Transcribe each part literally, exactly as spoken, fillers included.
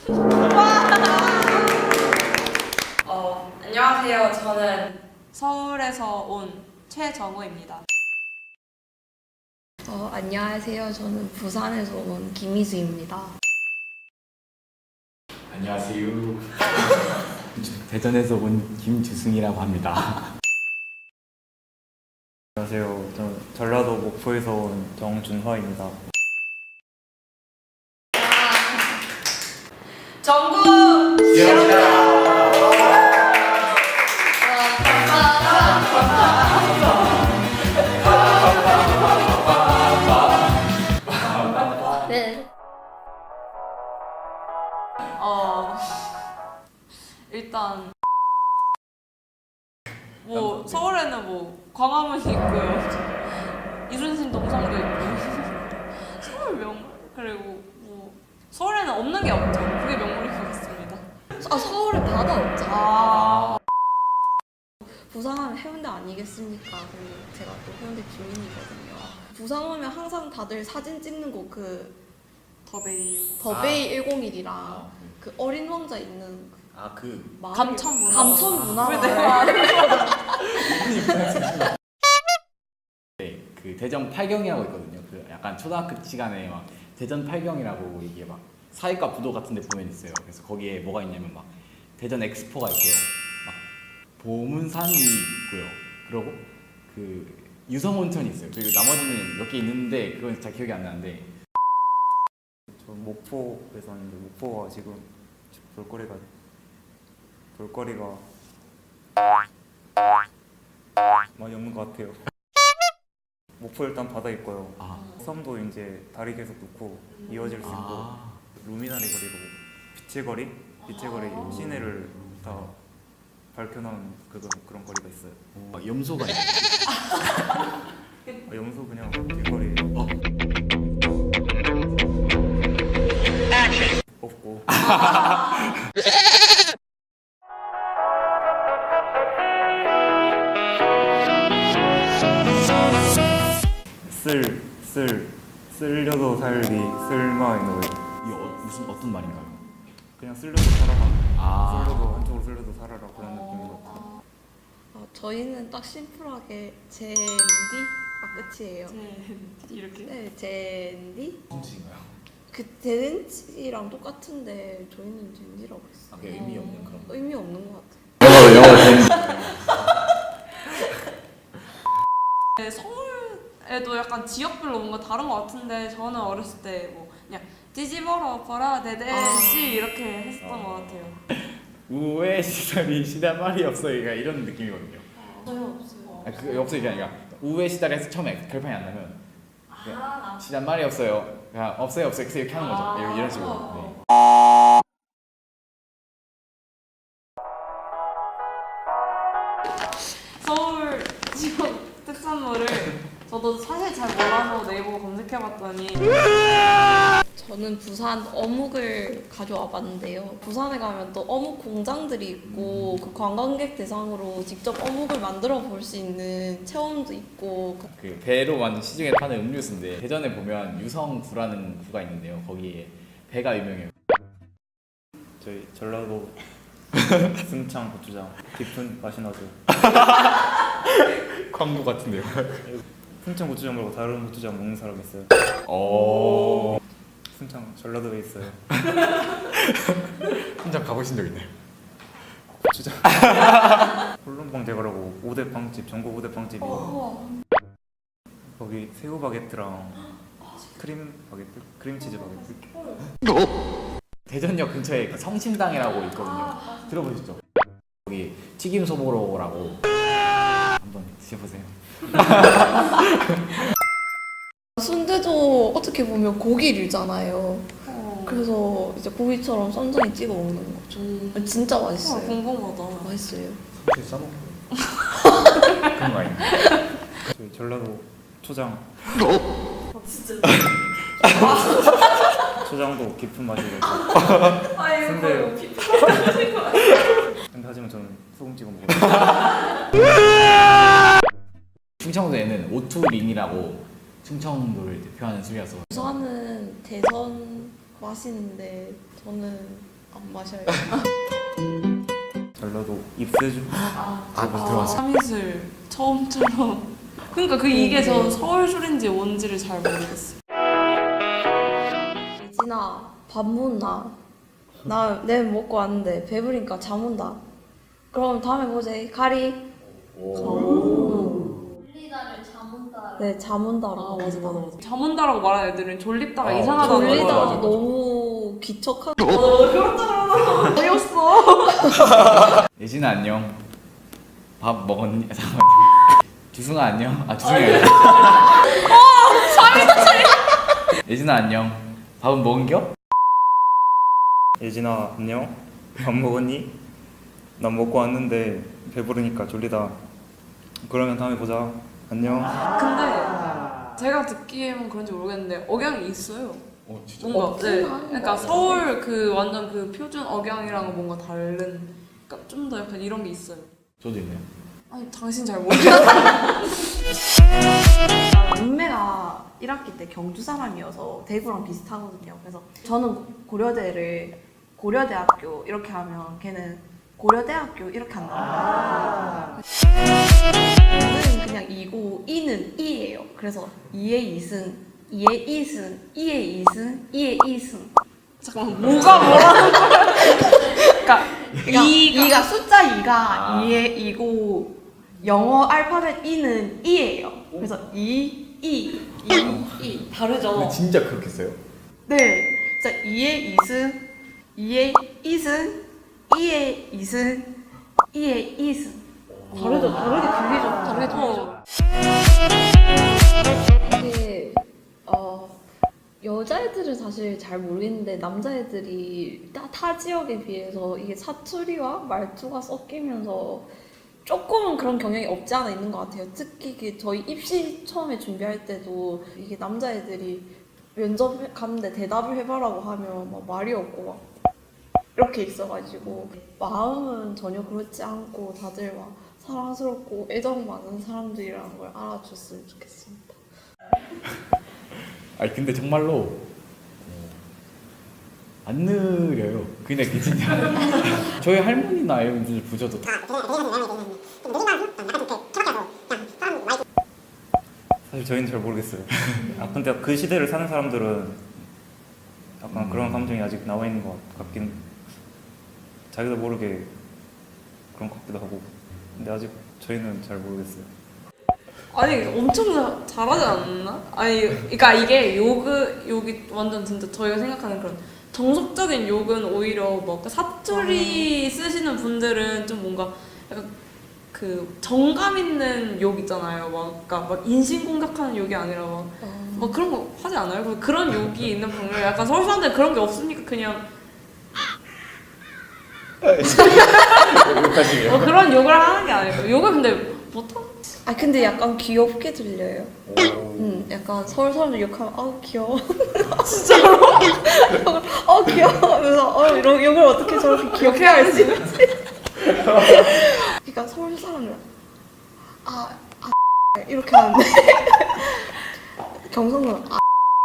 어, 안녕하세요. 저는 서울에서 온 최정우입니다. 어, 안녕하세요. 저는 부산에서 온 김희수입니다. 안녕하세요. 대전에서 온 김주승이라고 합니다. 안녕하세요. 저는 전라도 목포에서 온 정준화입니다. 정국! 네. 어, 일단 뭐 서울에는 뭐 광화문이 있고요. 이순신 동상도 있고 서울 명물 그리고 뭐 서울에는 없는 게 없죠. 그게 명물인 것 같습니다. 아, 서울에 바다 없잖아. 아, 부산하면 해운대 아니겠습니까? 그리고 제가 또 해운대 주민이거든요. 부산 오면 항상 다들 사진 찍는 곳 그 더베이 더베이 백일이랑 그 어린 왕자 있는 그 아그 마을- 감천문화. 감천문화가 네, 그 대전 팔경이라고 있거든요. 그 약간 초등학교 시간에 막 대전 팔경이라고 이게 막 사회과 부도 같은 데 보면 있어요. 그래서 거기에 뭐가 있냐면 막 대전 엑스포가 있고요. 막 보문산이 있고요. 그리고 그 유성온천이 있어요. 그리고 나머지는 몇 개 있는데 그건 잘 기억이 안 나는데 저 목포에 사는데 목포가 지금 볼거리가 볼거리가 많이 없는 것 같아요. 목포 일단 바다 있고요. 아, 섬도 이제 다리 계속 놓고 이어질 수 있고 아, 루미나리 거리로 빛의 거리, 빛의 거리 시내를 다 밝혀놓은 그런 그런 거리가 있어요. 어, 염소가 있어요. 아, 염소 그냥 길거리예요. 어. 없고. 쓸, 쓸, 쓸려도 살기, 쓸마의 노예. 이게 어, 무슨 어떤 말인가요? 그냥 쓸려도 살아라. 아. 쓸려도 한쪽으로 쓸려도 살아라 그런 느낌인 것 같아요. 어, 저희는 딱 심플하게 젠디 아 끝이에요. 네, 이렇게. 네, 젠디 무슨 뜻인가요? 그 젠디랑 똑같은데 저희는 젠디라고 했어요. 아, 그게 의미 없는 그런 거. 의미 없는 것 같아요. 영어 영어 된. 네, 서울에도 약간 지역별로 뭔가 다른 것 같은데 저는 어렸을 때 뭐 그냥 뒤집어라 엎어라 대대시 이렇게 했었던 것 같아요. 우회 시달이 시달 말이 없어. 그러니까 이런 느낌이거든요. 저희 없어요. 아, 그 없어 이게 아니라 우회 시달에서 처음에 결판이 안 나면 그냥 시달 말이 없어요. 그냥 없어요 없어요 이렇게 하는 거죠. 이런, 이런 식으로. 네. 서울 지역 특산물을 저도 사실 잘 몰라서 네이버 검색해봤더니 저는 부산 어묵을 가져와 봤는데요. 부산에 가면 또 어묵 공장들이 있고 그 관광객 대상으로 직접 어묵을 만들어 볼 수 있는 체험도 있고 그 배로 만든 시중에 파는 음료수인데 대전에 보면 유성구라는 구가 있는데요. 거기에 배가 유명해요. 저희 전라도 승창 고추장 깊은 맛이 나죠. 광고 같은데요. 승창 고추장 말고 다른 고추장 먹는 사람 있어요? 오. 승창 전라도에 있어요. 혼자 가보신 적 있나요? 고추장. 홀론방 대가라고 오 대 빵집, 전국 오 대 빵집이 거기 새우 바게트랑 크림 바게트, 크림치즈 바게트. 대전역 근처에 그 성심당이라고 있거든요. 들어보셨죠? 거기 튀김 소보로라고 한번 드셔보세요. 순대도 어떻게 보면 고기류잖아요. 어, 그래서 이제 고기처럼 썬전이 찍어 먹는 거죠. 음, 진짜 어, 맛있어요. 궁금하다. 맛있어요. 혹시 써먹고 그런 거 아닌가요? 저희 전라도 초장. 어, 진짜. 초장도 깊은 맛이 나고. 아이고, 근데요. 피- 근데 하지만 저는 소금 찍어 먹어요. 충청도에는 오투링이라고 충청도를 대표하는 술이라서 부산은 대선 마시는데 저는 안 마셔요. 전라도 입세주. 아, 들어왔어. 삼이슬 처음처럼. 그러니까 그 이게 저 서울 술인지 뭔지를 잘 모르겠어요. 예진아 밥 먹나? 나 내일 먹고 왔는데 배부르니까 잠 온다. 그럼 다음에 보자. 가리. 졸리다를 잠온다. 네, 잠 온다라고. 아 맞아 맞아 맞아. 잠 온다라고 말하는 애들은 졸립다가 아, 이상하다는 졸리다 맞아, 맞아, 맞아. 너무 기척한. 어, 그렇다 어이없어. 예진아 안녕. 밥 먹었니? 잠깐만요. 주승아 안녕. 아 주승이 아니라. 예진아 안녕. 밥은 먹은겨? 예진아 안녕. 밥 먹었니? 난 먹고 왔는데 배부르니까 졸리다. 그러면 다음에 보자. 안녕. 근데 제가 듣기에는 그런지 모르겠는데 억양이 있어요. 어 진짜. 뭔가 네. 없긴 한것 그러니까 같아요. 서울 그 완전 그 표준 억양이랑은 뭔가 다른. 그러니까 좀 더 약간 이런 게 있어요. 저도 있네요. 아니 당신 잘 모르겠어. 룸메가 일 학기 때 경주 사람이어서 대구랑 비슷하거든요. 그래서 저는 고려대를 고려대학교 이렇게 하면 걔는 고려대학교 이렇게 한다. 저는 그냥 이고 이는 이예요. 그래서 이의 이승, 이의 이승, 이의 이승, 이의 이승. 잠깐만 뭐가 뭐라는 거야? 그러니까 그러니까 이가 이가 숫자 이가 아. 이의 이고 영어 알파벳 이는 이예요. 그래서 이, 이, 이, 이 다르죠. 근데 진짜 그렇게 써요? 네, 진짜 이의 이승, 이의 이승, 이의 이승, 이의 이승. 다르죠, 다르게 들리죠, 다르게 들리죠. 이게 어 여자애들은 사실 잘 모르겠는데 남자애들이 타, 타 지역에 비해서 이게 사투리와 말투가 섞이면서 조금은 그런 경향이 없지 않아 있는 것 같아요. 특히 그 저희 입시 처음에 준비할 때도 이게 남자애들이 면접 갔는데 대답을 해봐라고 하면 막 말이 없고 막 이렇게 있어가지고 마음은 전혀 그렇지 않고 다들 막 사랑스럽고 애정 많은 사람들이라는 걸 알아줬으면 좋겠습니다. 아니 근데 정말로 어, 안 느려요. 근데 그 진짜 저희 할머니나 이런 분들 부셔도 다 사실 저희는 잘 모르겠어요. 아 근데 그 시대를 사는 사람들은 약간 그런 감정이 아직 남아 있는 것 같긴. 자기도 모르게 그런 것 같기도 하고. 근데 아직 저희는 잘 모르겠어요. 아니 엄청 자- 잘하지 않나? 아니 그러니까 이게 욕은 욕이 완전 진짜 저희가 생각하는 그런 정석적인 욕은 오히려 뭐 사투리 쓰시는 분들은 좀 뭔가 약간 그 정감 있는 욕 있잖아요. 막 그러니까 막 인신공격하는 욕이 아니라 막, 막 그런 거 하지 않아요? 그- 그런 욕이 있는 분들 약간 서울 사람들 그런 게 없으니까 그냥 여기까지. 뭐 그런 욕을 하는 게 아니고 욕을 근데 못하. 아 근데 약간 귀엽게 들려요. 음, 약간 서울 사람들 욕하면 아 귀여워. 진짜로? 어 귀여워. 하면서 어 이런 욕을 어떻게 저렇게 귀엽게 할 수 있지? 그러니까 서울 사람들 아, 아 이렇게 하는데 경상도는 아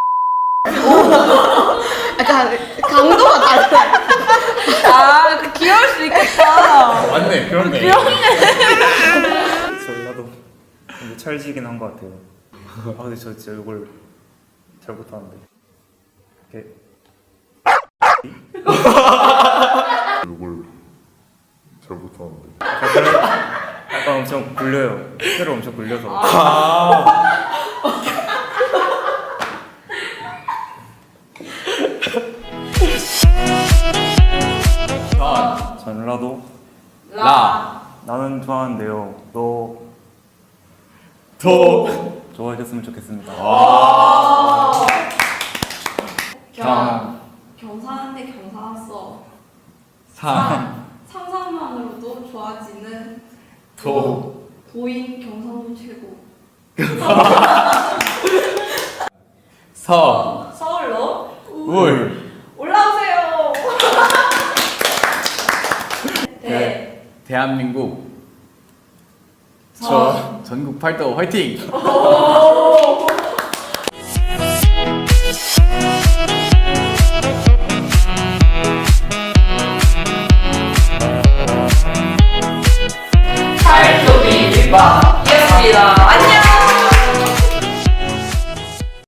약간 강도가 달라요. 아, 그 귀여울 수 있겠다. 맞네. 그렇네. 전라도 근데 찰지긴 한 것 같아요. 아 근데 저 진짜 이걸 잘 못하는데. 이렇게 이걸 잘 못하는데. 약간 엄청 굴려요. 혀를 엄청 굴려서. 전, 전라도 라, 나는 좋아하는데요. 너 도, 좋아해줬으면 좋겠습니다. 경, 경사하는데 경사났어. 상, 상상만으로도 좋아지는 도, 도인 경상도 최고. 서, 서울로 울, 올라오세요. 대, 네. 대한민국 저 전국 팔도 화이팅! 감사합니다.